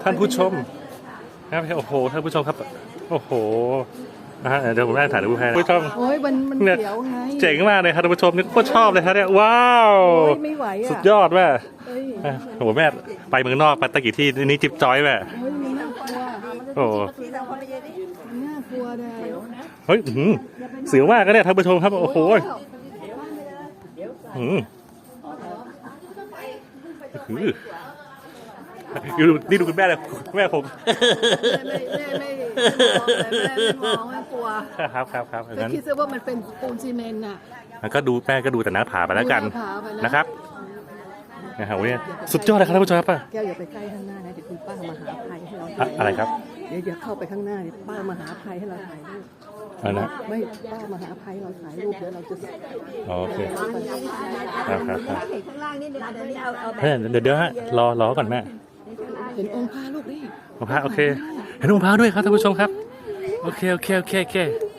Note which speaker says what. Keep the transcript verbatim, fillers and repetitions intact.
Speaker 1: ท่านผู้ชมครับโอ้โหท่านผู้ชมครับโอ้โหนะฮะเดี๋ยวผมได้ถ่ายรูปให้ผู้ชม
Speaker 2: โอ้ยมันมัน
Speaker 1: เนี่ย
Speaker 2: เขียวไง
Speaker 1: เจ๋งมากเลยครับท่านผู้ชมนี่โคตรชอบเลยครับเนี่ยว้าว
Speaker 2: โอ้ยไม่ไหวอ่ะ
Speaker 1: สุดยอดแม่
Speaker 2: เฮ้ย
Speaker 1: โอ้โหแม่ไปเมืองนอกไปตะกี้ที่นี่จิ๊บจอยแม่
Speaker 2: เฮ้ยมันน่ากลัว
Speaker 1: โอ้โห
Speaker 2: มันน่ากลัวเลย
Speaker 1: เฮ้ยอื้อหือเสียวมากก็เนี่ยท่านผู้ชมครับโอ้โหอืมอื้อหือดูนี่ดูคุณแม่เลยแม่ผม
Speaker 2: ไม่ไม่ไม่ไม่มองไม่กลัว
Speaker 1: ครับครับครับอย่าง
Speaker 2: แต่
Speaker 1: นั้น
Speaker 2: คิดซะว่ามันเป็นปูนซีเมนต์น่ะ
Speaker 1: มันก็ดูแม่ก็ดูแต่หน้าผาไปแล้วกัน
Speaker 2: ดูหน้าผาไปนะ
Speaker 1: นะครับนะครับวันนี้สุดยอดเลยครับท่านผู้ชมครับ
Speaker 2: แก้วอย่าไปใกล้ข้างหน้านะเดี๋ยวคุณป้ามาหาภัยให้เรา
Speaker 1: อะอะไรครับ
Speaker 2: เดี๋ยวอย่าเข้าไปข้างหน้าเดี๋ยวป้ามาหาภัยให้เราถ่ายรูป
Speaker 1: อะไรนะ
Speaker 2: ไม่ป้ามาหาภัยเราถ่ายรูปเดี๋ยวเราจะ
Speaker 1: อ๋อโอเคครับครับครับ
Speaker 3: ข้างล่างนี่เดี๋ยวนี้เอาเอาแบบ
Speaker 1: เฮ้ยเดี๋ยวเดี๋ยวฮะรอรอก่อนแม่
Speaker 2: เห็นองค์พระลูกนี่
Speaker 1: มะพร้าวโอเคเห็นมะพร้าวด้วยครับท่านผู้ชมครับโอเคโอเคโอเคโอเค